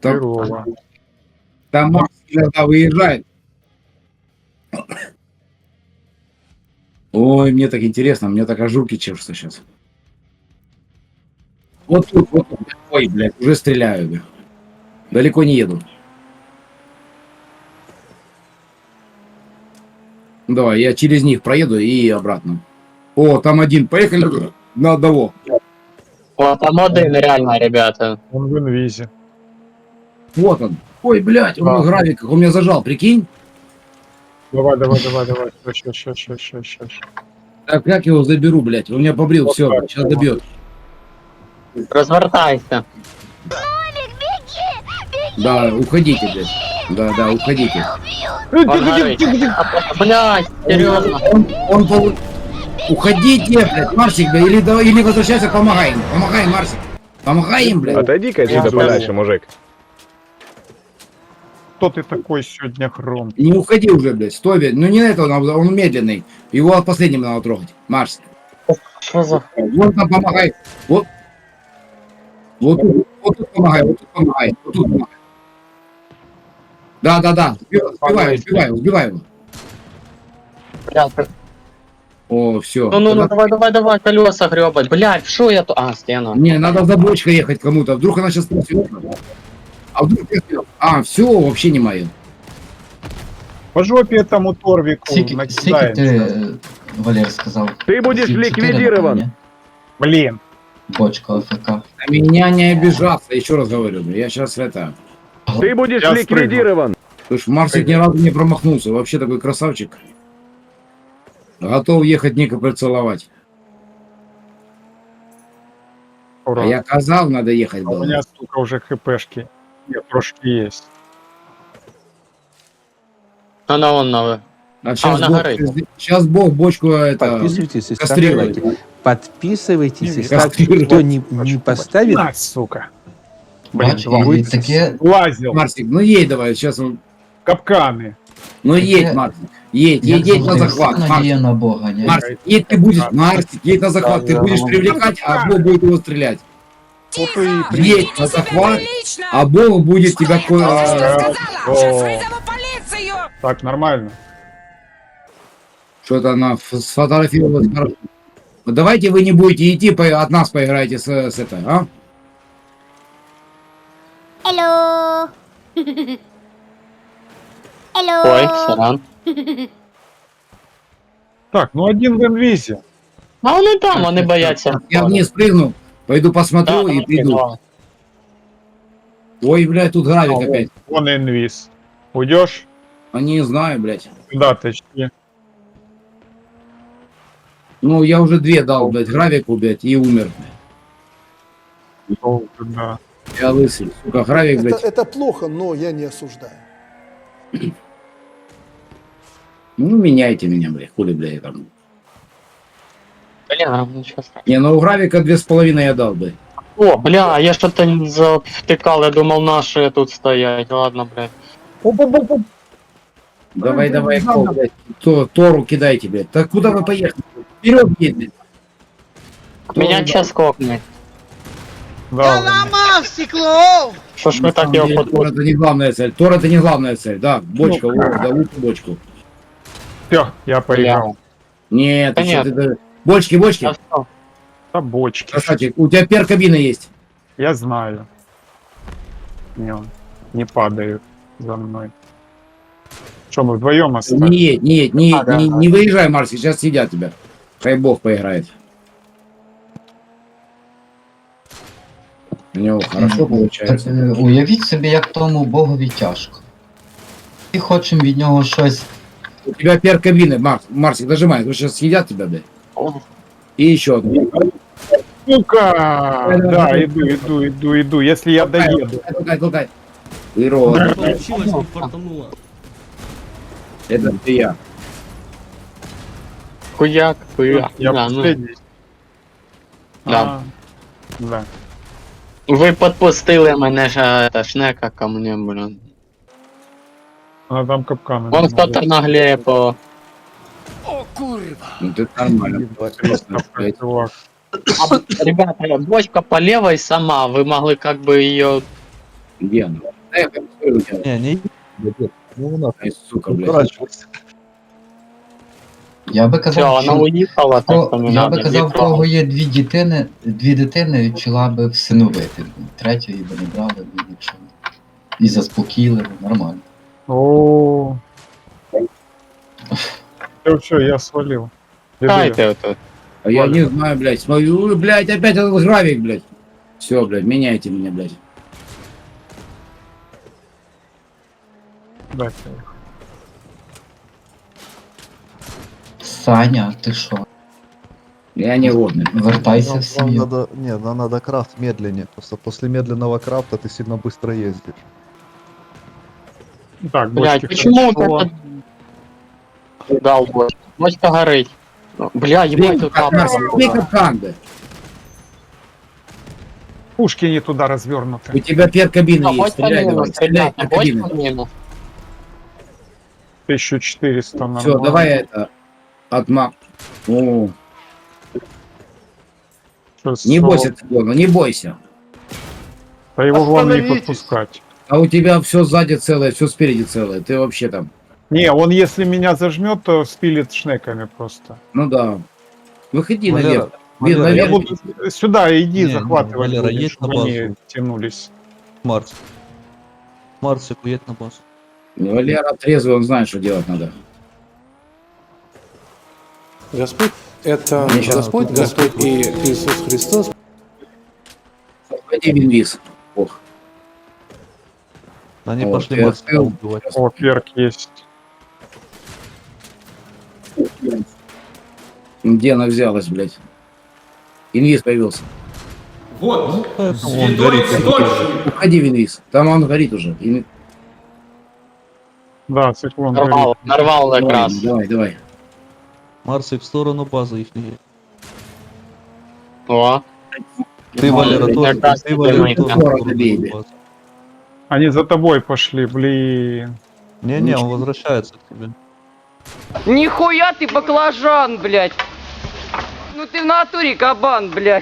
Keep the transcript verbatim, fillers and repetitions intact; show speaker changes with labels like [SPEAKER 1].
[SPEAKER 1] Там,
[SPEAKER 2] Здорово.
[SPEAKER 1] там Макс иногда выезжает. Ой, мне так интересно, мне так ажурки чешутся сейчас. Вот тут, вот тут. Ой, блядь, уже стреляю. Бля. Далеко не еду. Давай, я через них проеду и обратно. О, там один. Поехали на одного.
[SPEAKER 3] О, там один реально, ребята.
[SPEAKER 2] Он в инвизе.
[SPEAKER 1] Вот он. Ой, блядь, он
[SPEAKER 2] Да.
[SPEAKER 1] в гравиках. Он меня зажал, прикинь.
[SPEAKER 2] Давай, давай, давай, давай. Ща, ща, ща, ща, ща, ща.
[SPEAKER 1] Так, как его заберу, блядь? Он меня побрил,
[SPEAKER 2] Вот
[SPEAKER 1] все,
[SPEAKER 2] так,
[SPEAKER 1] сейчас
[SPEAKER 2] вот.
[SPEAKER 1] добьет.
[SPEAKER 3] Развертайся.
[SPEAKER 1] Да, уходите, блядь. Да, да, уходите.
[SPEAKER 3] Он горит. Блядь, серьезно.
[SPEAKER 1] Он, он полу- Уходите, блядь, Марсик, блядь, или, давай- или возвращайся, помогай им. Помогай, Марсик. Помогай им, блядь.
[SPEAKER 4] Отойди-ка отсюда
[SPEAKER 3] Я
[SPEAKER 4] подальше,
[SPEAKER 2] знаю.
[SPEAKER 4] мужик.
[SPEAKER 2] Кто ты такой сегодня, Хром?
[SPEAKER 1] Не уходи уже, блядь, стой, блядь. Ну не на этого, надо, он медленный. Его последним надо трогать. Марс.
[SPEAKER 3] Что за...
[SPEAKER 1] Вот там помогай. Вот. Вот тут, вот тут помогай, вот тут помогай, вот тут помогай. Да, да, да. Сбивай, сбивай, сбивай его.
[SPEAKER 3] Блядь,
[SPEAKER 1] О, все.
[SPEAKER 3] ну, ну, ну, давай, давай, давай, колеса гребать. Блядь, что я тут... А, стена.
[SPEAKER 1] Не, надо за бочкой ехать кому-то. Вдруг она сейчас спросит. А вдруг я сказал, а, все, вообще не мое.
[SPEAKER 2] По жопе этому Торвику
[SPEAKER 5] Скільки, скільки ти,
[SPEAKER 2] накидаемся.
[SPEAKER 5] е, Валер, сказав?
[SPEAKER 4] Ты будешь
[SPEAKER 5] Чотири,
[SPEAKER 4] ликвидирован.
[SPEAKER 5] напевно,
[SPEAKER 2] Блин.
[SPEAKER 5] ні? Бочка АФК.
[SPEAKER 1] На меня не обижаться, еще раз говорю. Я сейчас это...
[SPEAKER 4] Ты будешь
[SPEAKER 2] Я
[SPEAKER 4] ликвидирован.
[SPEAKER 1] Потому что Марсик ни разу не промахнулся. Вообще такой красавчик. Готов ехать Ника поцеловать.
[SPEAKER 2] Ура.
[SPEAKER 1] А я казал, надо ехать
[SPEAKER 2] А у
[SPEAKER 1] было.
[SPEAKER 2] меня, сука, уже хпшки. Нет, трошки есть.
[SPEAKER 3] Она вон новая.
[SPEAKER 1] А сейчас,
[SPEAKER 3] она
[SPEAKER 1] Бог,
[SPEAKER 3] горит.
[SPEAKER 1] сейчас Бог бочку это...
[SPEAKER 6] Подписывайтесь и ставьте
[SPEAKER 1] кастрировать.
[SPEAKER 6] лайки. Подписывайтесь и
[SPEAKER 2] Не
[SPEAKER 6] ставьте.
[SPEAKER 1] кастрировать.
[SPEAKER 6] Кто не, не поставит,
[SPEAKER 2] На, сука. Блин,
[SPEAKER 5] Бач,
[SPEAKER 2] два.
[SPEAKER 5] і таке,
[SPEAKER 2] Лазил.
[SPEAKER 1] Марсик, ну едь давай, сейчас он...
[SPEAKER 2] Капканы.
[SPEAKER 1] Ну
[SPEAKER 5] Таке-
[SPEAKER 1] едь, Марсик. Едь,
[SPEAKER 5] як
[SPEAKER 1] едь, едь на
[SPEAKER 5] завжди,
[SPEAKER 1] захват.
[SPEAKER 5] вся надія
[SPEAKER 1] Марсик,
[SPEAKER 5] на Бога, ні?
[SPEAKER 1] Марсик, едь ты будешь, Марсик, едь на захват. Ты
[SPEAKER 2] Да,
[SPEAKER 1] будешь
[SPEAKER 2] да.
[SPEAKER 1] привлекать, а Бог будет его стрелять.
[SPEAKER 2] Вот и
[SPEAKER 1] Едь на захват, а Бог будет тебя... ко- э,
[SPEAKER 2] О. Так, нормально.
[SPEAKER 1] Что-то она ф- сфотографировалась хорошо. Вот давайте вы не будете идти, по- от нас поиграете с, с это, а?
[SPEAKER 7] Hello. Hello.
[SPEAKER 3] Ой, сорян.
[SPEAKER 2] Так, ну один в инвизе.
[SPEAKER 3] А вони там, вони бояться.
[SPEAKER 1] Я вниз прыгну, пойду посмотрю
[SPEAKER 3] Да,
[SPEAKER 1] и
[SPEAKER 3] давай,
[SPEAKER 1] приду.
[SPEAKER 3] давай.
[SPEAKER 1] Ой, блядь, тут гравик
[SPEAKER 2] А,
[SPEAKER 1] опять.
[SPEAKER 2] Вон инвиз. Уйдешь?
[SPEAKER 1] А не знаю, блядь.
[SPEAKER 2] Да, точнее.
[SPEAKER 1] Ну, я уже две дал, блядь, гравику, блядь, и умер.
[SPEAKER 2] Долго, да.
[SPEAKER 1] Я лысый, сука, гравик,
[SPEAKER 8] Это,
[SPEAKER 1] блядь.
[SPEAKER 8] это плохо, но я не осуждаю.
[SPEAKER 1] Ну, меняйте меня, блядь, хули, блядь, там.
[SPEAKER 3] Блін, а, ну що страшного.
[SPEAKER 1] Не, ну у гравика две с половиной я дал, блядь.
[SPEAKER 3] О, бля, я что-то не завтыкал, я думал наши тут стоять. Ладно, блядь.
[SPEAKER 2] Оп-оп-оп-оп.
[SPEAKER 1] Давай,
[SPEAKER 2] Ой,
[SPEAKER 1] давай,
[SPEAKER 2] блядь,
[SPEAKER 1] кол,
[SPEAKER 2] надо.
[SPEAKER 1] блядь. То, Тору кидайте, блядь. Так куда вы поехали? Вперед, едь, блядь.
[SPEAKER 3] Меня
[SPEAKER 1] да.
[SPEAKER 3] час кокнет.
[SPEAKER 2] Да,
[SPEAKER 3] Что ж
[SPEAKER 1] На
[SPEAKER 3] вы так
[SPEAKER 1] самом
[SPEAKER 3] его
[SPEAKER 1] деле, Тор
[SPEAKER 3] футбол?
[SPEAKER 1] это не главная цель. Тор это не главная цель, да. Бочка,
[SPEAKER 2] Ну,
[SPEAKER 1] о, да, лучше бочку.
[SPEAKER 2] все, я поиграл.
[SPEAKER 1] Нет, ты что,
[SPEAKER 3] Понятно.
[SPEAKER 1] ты, ты- бочки, бочки.
[SPEAKER 3] А что?
[SPEAKER 2] Да бочки.
[SPEAKER 1] Красавчик, у тебя пер-кабина есть.
[SPEAKER 2] Я знаю. Не, не падают за мной. Что, мы вдвоем
[SPEAKER 1] Не
[SPEAKER 2] остались?
[SPEAKER 1] едь, не едь, не,
[SPEAKER 3] А,
[SPEAKER 1] едь,
[SPEAKER 3] да,
[SPEAKER 1] не,
[SPEAKER 3] да.
[SPEAKER 1] не выезжай, Марси, сейчас съедят тебя. Хай бог поиграет. У него хорошо
[SPEAKER 5] Так,
[SPEAKER 1] получается.
[SPEAKER 5] е, уявіть собі, як тому Богові тяжко. І хочемо від нього щось.
[SPEAKER 1] У тебя пер-кабины, Марс, Марсик, дожимай, сейчас съедят тебя, блядь. И еще одну.
[SPEAKER 2] Сука! Да, иду, иду, иду, иду. Если я доеду.
[SPEAKER 1] Толкай, толкай, толкай. Ирод,
[SPEAKER 9] Получилось, не фартануло.
[SPEAKER 1] это ты я.
[SPEAKER 3] Хуяк, хуяк.
[SPEAKER 2] Я
[SPEAKER 3] Да, ну,
[SPEAKER 2] последний.
[SPEAKER 3] Да.
[SPEAKER 2] А, да.
[SPEAKER 3] ви підпустили мене ж та шнека ко мне, блін.
[SPEAKER 2] Она там капканы.
[SPEAKER 3] Вон хто-то наглеє по...
[SPEAKER 1] Ну ты нормально.
[SPEAKER 2] Капкан, чувак.
[SPEAKER 3] А, ребята, бочка по левой сама, вы могли как бы ее
[SPEAKER 1] Где она? Да, я там смотрю, у тебя.
[SPEAKER 4] Не, не ну, у нас
[SPEAKER 1] Ай, сука, блядь.
[SPEAKER 4] укорачивайся.
[SPEAKER 5] Я би
[SPEAKER 3] Все,
[SPEAKER 5] казав,
[SPEAKER 3] вона
[SPEAKER 5] що
[SPEAKER 3] уїхала, так
[SPEAKER 5] Ко-
[SPEAKER 3] то не
[SPEAKER 5] я
[SPEAKER 3] надо.
[SPEAKER 5] би казав, в
[SPEAKER 3] нікого.
[SPEAKER 5] кого є дві дитини, дві дитини, чола би всиновити. Третьої би не брали, б, якщо і заспокійливо, нормально.
[SPEAKER 2] О. Все, все, я свалил. Иду я.
[SPEAKER 3] Дайте тут.
[SPEAKER 1] А я
[SPEAKER 2] Ладно.
[SPEAKER 1] не знаю, блядь. Смотрю, ой, блядь, опять этот гравик, блядь. Все, блядь, меняйте меня, блядь.
[SPEAKER 2] Дайте.
[SPEAKER 5] Саня, ти що?
[SPEAKER 1] Я не годный.
[SPEAKER 5] Вертайся
[SPEAKER 4] Нам-
[SPEAKER 5] в
[SPEAKER 4] нам
[SPEAKER 5] сім'ю.
[SPEAKER 4] надо, не, нам надо крафт медленнее. Просто после медленного крафта ты сильно быстро ездишь.
[SPEAKER 2] Так,
[SPEAKER 3] Блядь,
[SPEAKER 2] бочки
[SPEAKER 3] почему
[SPEAKER 2] хорошо.
[SPEAKER 3] так дал бочка? Бочка горить. Бля, ебать, тут
[SPEAKER 1] Капкан, возьми
[SPEAKER 3] лапа.
[SPEAKER 1] капкан, блядь.
[SPEAKER 2] Пушки не туда развернуты.
[SPEAKER 1] У тебя пер кабины
[SPEAKER 3] А,
[SPEAKER 1] есть.
[SPEAKER 3] бочка
[SPEAKER 1] Стреляй
[SPEAKER 3] мина,
[SPEAKER 1] давай, стреляй
[SPEAKER 3] ребята,
[SPEAKER 1] пер
[SPEAKER 3] бочка
[SPEAKER 1] кабины.
[SPEAKER 3] мина.
[SPEAKER 2] тысяча четыреста нормально.
[SPEAKER 1] Все, давай это. Отмак. О,
[SPEAKER 2] шестьсот.
[SPEAKER 1] не бойся циклона, не бойся.
[SPEAKER 2] Да его главное не
[SPEAKER 3] Остановитесь.
[SPEAKER 2] подпускать.
[SPEAKER 1] А у тебя все сзади целое, все спереди целое. Ты вообще там.
[SPEAKER 2] Не, он если меня зажмет, то спилит шнеками просто.
[SPEAKER 1] Ну да. Выходи
[SPEAKER 4] Валера,
[SPEAKER 1] наверх. Вин,
[SPEAKER 4] Валера,
[SPEAKER 2] Я
[SPEAKER 1] наверх.
[SPEAKER 2] буду сюда, иди,
[SPEAKER 4] Не, не,
[SPEAKER 2] захватывай,
[SPEAKER 4] Валера,
[SPEAKER 2] будем,
[SPEAKER 4] едь на
[SPEAKER 2] чтобы они
[SPEAKER 4] базу.
[SPEAKER 2] тянулись.
[SPEAKER 4] Марс. Марсик, уедь на базу.
[SPEAKER 1] Валера трезвый, он знает, что делать надо.
[SPEAKER 8] Господь – это
[SPEAKER 1] Мне щас-
[SPEAKER 8] Господь, Господь и Иисус Христос.
[SPEAKER 1] Пойди в инвиз. Ох.
[SPEAKER 4] Они
[SPEAKER 1] Вот,
[SPEAKER 4] пошли
[SPEAKER 1] я
[SPEAKER 4] Марсика
[SPEAKER 1] открыл.
[SPEAKER 4] убивать.
[SPEAKER 2] О, перк есть.
[SPEAKER 1] Где она взялась, блядь? Инвиз появился.
[SPEAKER 4] Ну, поэтому он горит.
[SPEAKER 1] Уходи в инвиз. Там он горит уже. Ин-
[SPEAKER 2] Да, циклон горит.
[SPEAKER 3] Нарвал, нарвал как
[SPEAKER 1] Давай,
[SPEAKER 3] раз.
[SPEAKER 1] давай, давай.
[SPEAKER 4] Марсик в сторону базы их.
[SPEAKER 3] О,
[SPEAKER 4] Ты,
[SPEAKER 1] Ну,
[SPEAKER 4] Валера,
[SPEAKER 1] блядь,
[SPEAKER 4] тоже.
[SPEAKER 3] как раз
[SPEAKER 4] Ты, Валера,
[SPEAKER 3] таки
[SPEAKER 4] тоже в
[SPEAKER 1] Скоро
[SPEAKER 4] сторону
[SPEAKER 1] добей,
[SPEAKER 4] базы.
[SPEAKER 2] Они за тобой пошли, блин.
[SPEAKER 4] Не-не, он возвращается к тебе.
[SPEAKER 9] Нихуя ты баклажан, блядь! Ну ты в натуре кабан, блядь!